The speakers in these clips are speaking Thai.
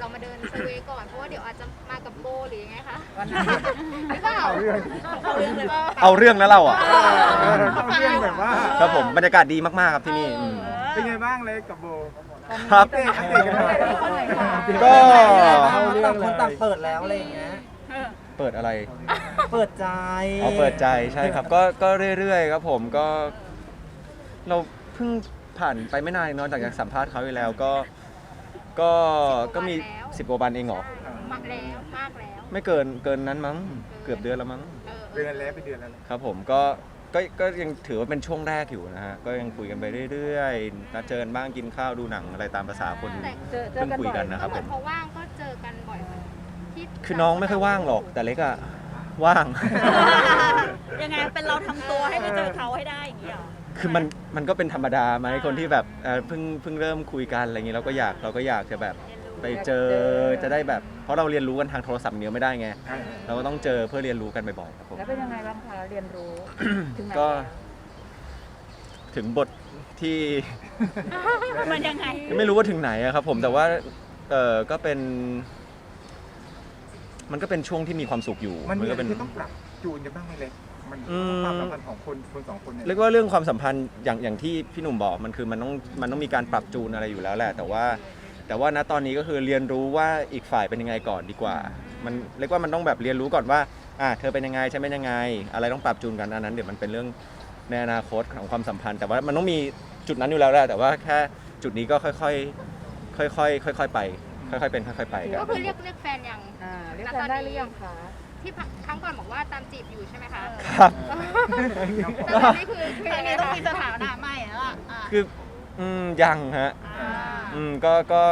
เรามาเดินเซอร์เวย์ก่อนเพราะว่าเดี๋ยวอาจจะมากับโบหรือยังไงคะวันนั้นหรือเปล่าเอาเรื่องเลยเอาเรื่องนะเราอ่ะเอาเรื่องแบบว่าครับผมบรรยากาศดีมากๆครับที่นี่มเป็นไงบ้างเลยกับโบครับอัปเดตกันหน่อยก็ต่างคนต่างเปิดแล้วอะไรอย่างเงี้ยเปิดอะไรเปิดใจเอาเปิดใจใช่ครับก็เรื่อยๆครับผมก็เราเพิ่งผ่านไปไม่นานเนอะจากสัมภาษณ์เขาไปแล้วก็มี10 กว่าวันเองเหรอมากแล้วมากแล้วไม่เกินนั้นมั้งเกือบเดือนแล้วมั้งเดือนแล้วเป็นเดือนแล้วครับผมก็ยังถือว่าเป็นช่วงแรกอยู่นะฮะก็ยังคุยกันไปเรื่อยๆนัดเจอกันบ้างกินข้าวดูหนังอะไรตามภาษาคนเพิ่งคุยกันนะครับเหผมือนมพอว่างก็เจอกันบ่อยเหมือนที่คือน้องไม่ค่อยว่างหรอกแต่เล็กอะว่างยังไงเป็นเราทำตัวให้ไปเจอเขาให้ได้อย่างนี้เหรอคือมันก็เป็นธรรมดาไหมคนที่แบบเพิ่งเริ่มคุยกันอะไรอย่างนี้เราก็อยากจะแบบไปเจอจะได้แบบเพราะเราเรียนรู้กันทางโทรศัพท์เดียวไม่ได้ไงเราก็ต้องเจอเพื่อเรียนรู้กันบ่อยๆครับผมแล้วเป็นยังไงบ้างคะเรียนรู้ ถึงไหนก็ถึงบทที่มันยังไงไม่รู้ว่าถึงไหนอะครับผมแต่ว่าก็เป็นมันก็เป็นช่วงที่มีความสุขอยู่มันมีก็อะไรเป็นที่ต้องปรับจูนกันบ้างไหมเลยมันความสัมพันธ์ของคนสองคนเนี่ยเรียกว่าเรื่องความสัมพันธ์อย่างที่พี่หนุ่มบอกมันคือมันต้องมีการปรับจูนอะไรอยู่แล้วแหละแต่ว่าณตอนนี้ก็คือเรียนรู้ว่าอีกฝ่ายเป็นยังไงก่อนดีกว่ามันเรียกว่ามันต้องแบบเรียนรู้ก่อนว่าเธอเป็นยังไงฉันเป็นยังไงอะไรต้องปรับจูนกันอันนั้นเดี๋ยวมันเป็นเรื่องในอนาคตของความสัมพันธ์แต่ว่ามันต้องมีจุดนั้นอยู่แล้วแหละแต่ว่าแค่จุดนี้ก็ค่อยๆไปค่อยๆเป็นค่อยๆไปกันก็คือเรียกแฟนยังเรียกแฟนได้หรือยังคะที่ครั้งก่อนบอกว่าตามจีบอยู่ใช่ไหมคะครับแต่ตอนนี้คือครั้งยังไงนี้ต้องคะมีสถานะใหม่แล้วอ่ะคือยังฮะอ่าก็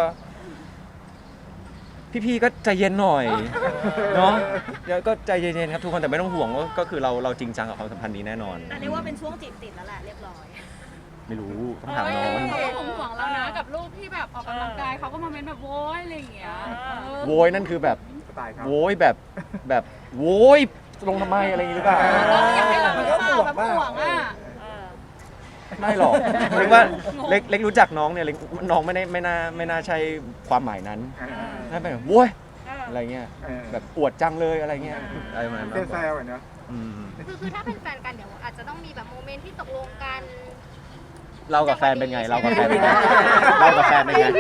พี่ๆก็ใจเย็นหน่อยเนาะเดี๋ยวก็ใจเย็นๆครับทุกคนแต่ไม่ต้องห่วงว่าก็คือเราจริงจังกับความสัมพันธ์นี้แน่นอนแต่เรียกว่าเป็นช่วงจีบติดแล้วแหละเรียบร้อยไม่รู้ต้องถามน้องเขาก็ห่วงเรานะกับรูปที่แบบออกกำลังกายเขาก็มาเม้นแบบโว้ยอะไรอย่างเงี้ยโวยนั่นคือแบบสไตล์ครับโวยแบบโวยลงทำไมอะไรอย่างนี้หรือเปล่าอยากให้เรามันแบก็บห่วงแบบบ้างห่วงอ่ะไม่หรอกเรียกว่าเล็กรู้จักน้องเนี่ยเล็กน้องไม่น่าใช่ความหมายนั้นน่าเป็นแบบโวยอะไรเงี้ยแบบอวดจังเลยอะไรเงี้ยอะไรประมาณนั้นแซวๆอ่ะเนาะอืมคือถ้าเป็นแฟนกันเดี๋ยวอาจจะต้องมีแบบโมเมนต์ที่ตกลงกันเรากับแฟนเป็นไงเรากับแฟนเป็นไงเรากับแฟนเป็นไง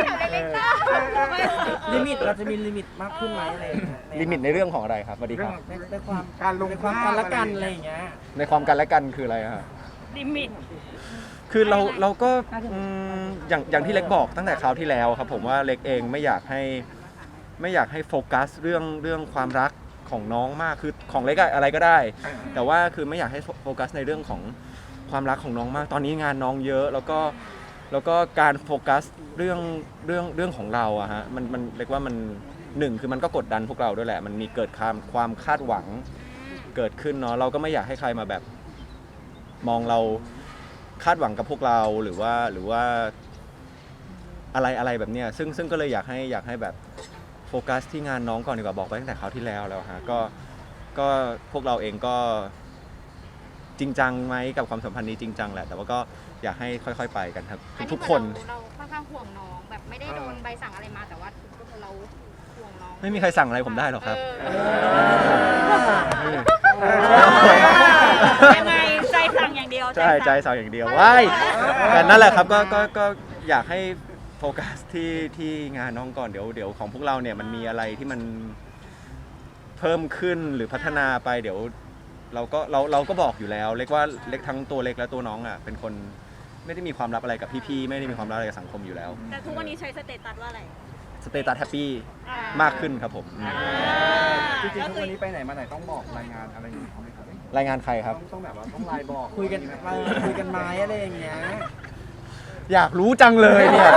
ลิมิตเราจะมีลิมิตมากขึ้นไหมอะไรอย่างเงี้ยลิมิตในเรื่องของอะไรครับสวัสดีครับในความการลงในความกันละกันอะไรอย่างเงี้ยในความกันและกันคืออะไรอะครับลิมิตคือเราก็อย่างที่เล็กบอกตั้งแต่คราวที่แล้วครับผมว่าเล็กเองไม่อยากให้โฟกัสเรื่องความรักของน้องมากคือของเล็กอะไรก็ได้ แต่ว่าคือไม่อยากให้โฟกัสในเรื่องของความรักของน้องมากตอนนี้งานน้องเยอะแล้วก็การโฟกัสเรื่องของเราอะฮะมันเรียกว่ามันหนึ่งคือมันก็กดดันพวกเราด้วยแหละมันมีเกิดความคาดหวังเกิดขึ้นเนาะเราก็ไม่อยากให้ใครมาแบบมองเราคาดหวังกับพวกเราหรือว่าอะไรแบบเนี้ยซึ่งก็เลยอยากให้แบบโฟกัสที่งานน้องก่อนดีกว่าบอกไปตั้งแต่คราวที่แล้วฮะก็พวกเราเองก็จริงจังไหมกับความสัมพันธ์นี้จริงจังแหละแต่ว่าก็อยากให้ค่อยๆไปกันครับทุกคนเราค่อนข้างห่วงน้องแบบไม่ได้โดนใบสั่งอะไรมาแต่ว่าเราห่วงน้องไม่มีใครสั่งอะไรผมได้หรอกครับยังไงใจสั่งอย่างเดียวใช่ใจสั่งอย่างเดียวว้ายแต่นั่นแหละครับก็อยากให้โฟกัสที่งานน้องก่อนเดี๋ยวของพวกเราเนี่ยมันมีอะไรที่มันเพิ่มขึ้นหรือพัฒนาไปเดี๋ยวเราก็บอกอยู่แล้วเล็กว่าเล็กทั้งตัวเล็กและตัวน้องอ่ะเป็นคนไม่ได้มีความลับอะไรกับพี่ๆไม่ได้มีความลับอะไรกับสังคมอยู่แล้วแต่ทุกวันนี้ใช้สเตตัสว่าอะไรสเตตัสแฮปปี้มากขึ้นครับผมจริงๆทุกวันนี้ไปไหนมาไหนต้องบอกรายงานอะไรอย่างเงี้ยเขาไหมครับรายงานใครครับต้องแบบว่าต้องไลน์บอกคุยกันไหมอะไรอย่างเงี้ยอยากรู้จังเลยเนี่ย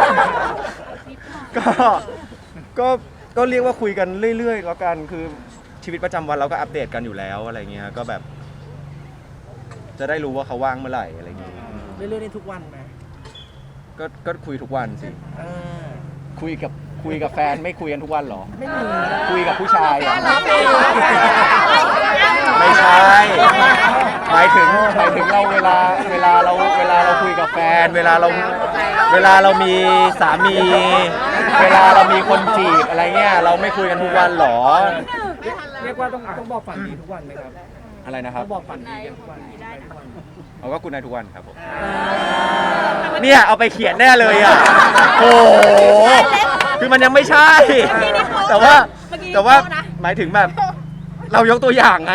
ก็เรียกว่าคุยกันเรื่อยๆแล้วกันคือชีวิตประจำวันเราก็อัปเดตกันอยู่แล้วอะไรเงี้ยก็แบบ จะได้รู้ว่าเขาว่างเมื่อไหร่อะไรเงี้ยเรื่อยๆในทุกวันไหมก็คุยทุกวันสิ คุยกับแฟนไม่คุยกันทุกวันหรอไม่มีคุยกับผู้ชายเหรอเไม่ใช่หมายถึงเราเวลาเราคุยกับแฟน เวลาเรามีสามี เวลาเรามีคนจีบอะไรเงี้ยเราไม่คุยกันทุกวันหรอเรียกว่าต้องบอกฝันดีทุกวันไหมครับอะไรนะครับต้องบอกฝันดีกันทุกวันเราก็คุณนายทุกวันครับผมเนี่ยเอาไปเขียนแน่เลยอ่ะโอ้โหคือมันยังไม่ใช่ แต่ว่าหมายถึงแบบเรายกตัวอย่างไง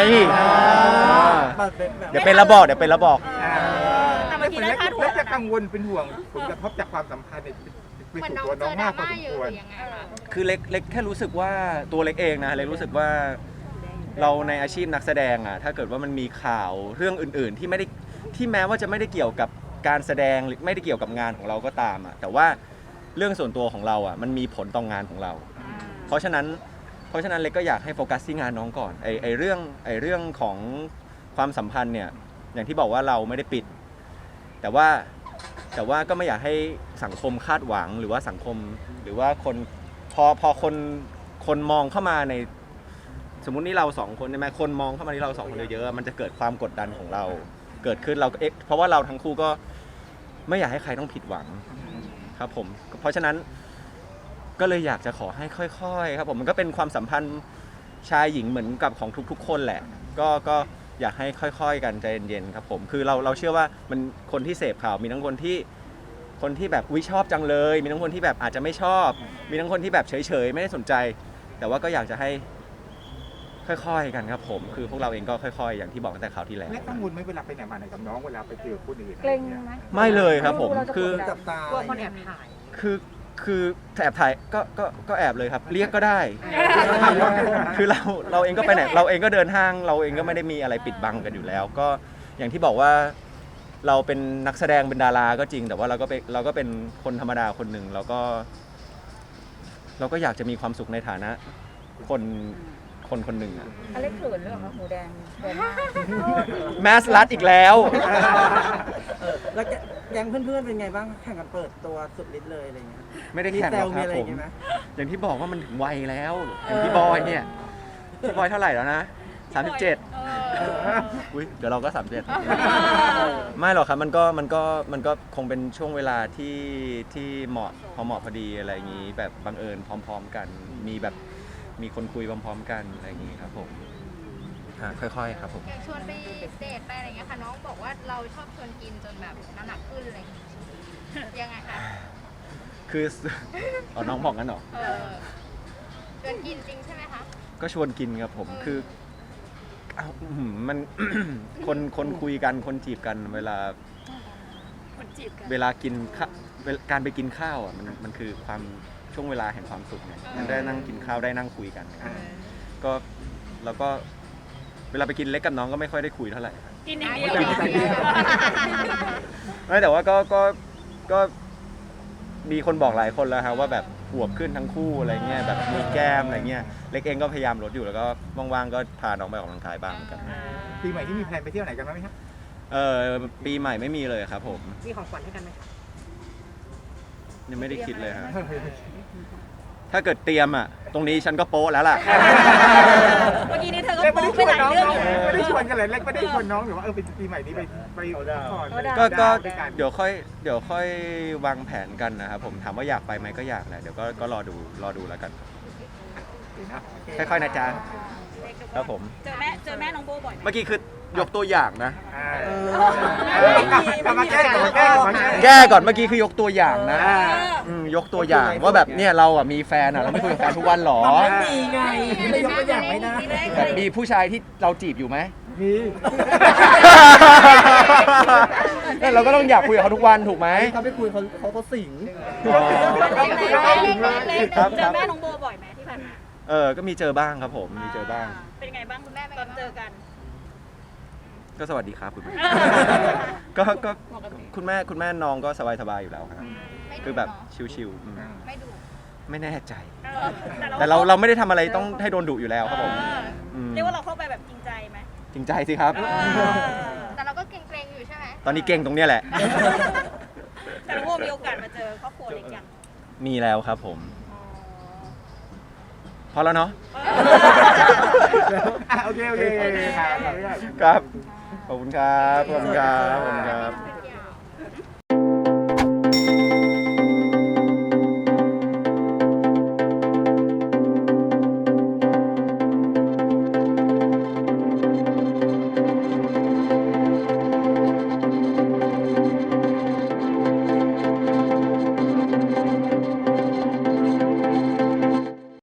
เดี๋ยวเป็นระบอกแต่เมื่อกี้ได้ค่าถั่วแล้วจะกังวลเป็นห่วงผลกระทบจากความสัมพันธ์ไปเหมือนสู่น้องตัวเจน้องอดรามากพอม่าสมเยอะควหรรือยังไงคะคือเล็กแค่รู้สึกว่าตัวเล็กเองนะเล็กรู้สึกว่าเราในอาชีพนักแสดงอ่ะถ้าเกิดว่ามันมีข่าวเรื่องอื่นๆที่แม้ว่าจะไม่ได้เกี่ยวกับการแสดงหรือไม่ได้เกี่ยวกับงานของเราก็ตามอ่ะแต่ว่าเรื่องส่วนตัวของเราอ่ะมันมีผลต่องานของเรา เพราะฉะนั้นเล็กก็อยากให้โฟกัสที่งานน้องก่อนไอเรื่องของความสัมพันธ์เนี่ยอย่างที่บอกว่าเราไม่ได้ปิดแต่ว่าก็ไม่อยากให้สังคมคาดหวังหรือว่าสังคมหรือว่าคนพอคนมองเข้ามาในสมมุตินี่เราสองคนใช่ไหมคนมองเข้ามาที่เราสองคนเยอะๆมันจะเกิดความกดดันของเราเกิดขึ้นเราก็เพราะว่าเราทั้งคู่ก็ไม่อยากให้ใครต้องผิดหวังครับผมเพราะฉะนั้นก็เลยอยากจะขอให้ค่อยๆครับผมมันก็เป็นความสัมพันธ์ชายหญิงเหมือนกับของทุกๆคนแหละก็อยากให้ค่อยๆกันใจเย็นๆครับผมคือเราเชื่อว่ามันคนที่เสพข่าวมีทั้งคนที่แบบชอบจังเลยมีทั้งคนที่แบบอาจจะไม่ชอบมีทั้งคนที่แบบเฉยๆไม่ได้สนใจแต่ว่าก็อยากจะให้ค่อยๆกันครับผมคือพวกเราเองก็ค่อยๆอย่างที่บอกตั้งแต่คราวที่แล้วและกังวลไหมเวลาไปไหนมาไหนกับน้องเวลาไปเจอคนอื่นเกรงไหมไม่เลยครับผมเราจะคือกดดันจับตากลัวคนแอบถ่ายคือแอบถ่ายก็แอบเลยครับเรียกก็ได้ คือเราเองก็ไปไหนเราเองก็เดินห้างเราเองก็ไม่ได้มีอะไรปิดบังกันอยู่แล้ว ก็อย่างที่บอกว่าเราเป็นนักแสดงเป็นดาราก็จริง แต่ว่าเราก็เป็นคนธรรมดาคนหนึ่งเราก็อยากจะมีความสุขในฐานะคนหนึ่งอะอเล็กเขินหรือเปล่าคะหมูแดงแดงมากแมสลัดอีกแล้วแล้วแก๊งเพื่อนๆเป็นไงบ้างแข่งกันเปิดตัวสุดฤทธิ์เลยอะไรเงี้ยไม่ได้แข่งหรอกมีครับอะไรผอมย่างเงี้ยไหมอย่างที่บอกว่ามันถึงวัยแล้วอย่างพี่บอยเนี่ยพี่บอยเท่าไหร่แล้วนะ37อุ้ยเดี๋ยวเราก็37ไม่หรอกครับมันก็คงเป็นช่วงเวลาที่เหมาะพอดีอะไรอย่างงี้แบบบังเอิญพร้อมๆกันมีคนคุยพร้อมๆกันอะไรอย่างงี้ครับผมค่อยๆครับผมอย่างชวนไปเดทไปอะไรเงี้ยค่ะน้องบอกว่าเราชอบชวนกินจนแบบน้ำหนักขึ้นอะไรอย่างเงี้ยยังไงคะคือ น้องบอกงั้นเหรอชวนกินจริงใช่ไหมคะก็ชวนกินครับผมคือมัน คนคุยกันคนจีบกันเวลากินการไปกินข้าวอ่ะมันคือความช่วงเวลาแห่งความสุขไงมันได้นั่งกินข้าวได้นั่งคุยกันก็แล้วก็เวลาไปกินเล็กกับน้องก็ไม่ค่อยได้คุยเท่าไหร่กินอย่างเดียวไม่แต่ว่าก็มีคนบอกหลายคนแล้วครับว่าแบบอวบขึ้นทั้งคู่อะไรเงี้ยแบบมีแก้มอะไรเงี้ยเล็กเองก็พยายามลดอยู่แล้วก็ว่างๆก็พาน้องไปออกกำลังกายบ้างเหมือนกันปีใหม่ที่มีแพลนไปเที่ยวไหนกันไหมครับปีใหม่ไม่มีเลยครับผมมีของขวัญให้กันไหมยังไม่ได้คิดเลยครับถ้าเกิดเตรียมอ่ะตรงนี้ฉันก็โป๊ะแล้วล่ะเมื่อกี้นี้เธอก็เล็กไม่โป๊ได้ชไปวนหลายน้องเรื่องอยู่ไม่ได้ชวนกันเลยเล็กไม่ได้ชวนน้องหรือว่าเป็นปีใหม่นี้ไปก่อนก็เดี๋ยวค่อยวางแผนกันนะครับผมถามว่าอยากไปไหมก็อยากแหละเดี๋ยวก็รอดูแล้วกันค่อยๆนะจ๊ะครับผมเจอแม่น้องโบบ่อยไหมเมื่อกี้คือยกตัวอย่างนะกลับมาแก้ก่อนแก้ก่อนเมื่อกี้คือยกตัวอย่างนะยกตัวอย่างว่าแบบเนี่ยเราอ่ะมีแฟนอ่ะเราไม่คุยกับแฟนทุกวันหรอไม่มีไงไม่ยกตัวอย่างไม่ได้แบบมีผู้ชายที่เราจีบอยู่ไหมมีเนี่ยเราก็ต้องอยากคุยกับเขาทุกวันถูกไหมเขาไปคุยเขาสิงเจอแม่น้องโบบ่อยไหมที่ผ่านมาก็มีเจอบ้างครับผมมีเจอบ้างเป็นไงบ้างคุณแม่ตอนเจอกันก็สวัสดีครับคุณแม่ ก็คุณแม่น้องก็สบายๆอยู่แล้วครับคือแบบชิวๆไม่ดูไม่แน่ใจ แต่เราไม่ได้ทำอะไรต้องให้โดนดุอยู่แล้วครับผมเรียกว่าเราเข้าไปแบบจริงใจไหมจริงใจสิครับแต่เราก็เกรงๆอยู่ใช่ไหมตอนนี้เก่งตรงเนี้ยแหละแต่น้องโบมีโอกาสมาเจอครอบครัวเล็กยังมีแล้วครับผม พพอแล้วเนาะโอเคครับครับ ขอบคุณครับ ขอบคุณครับ ขอบคุณครับ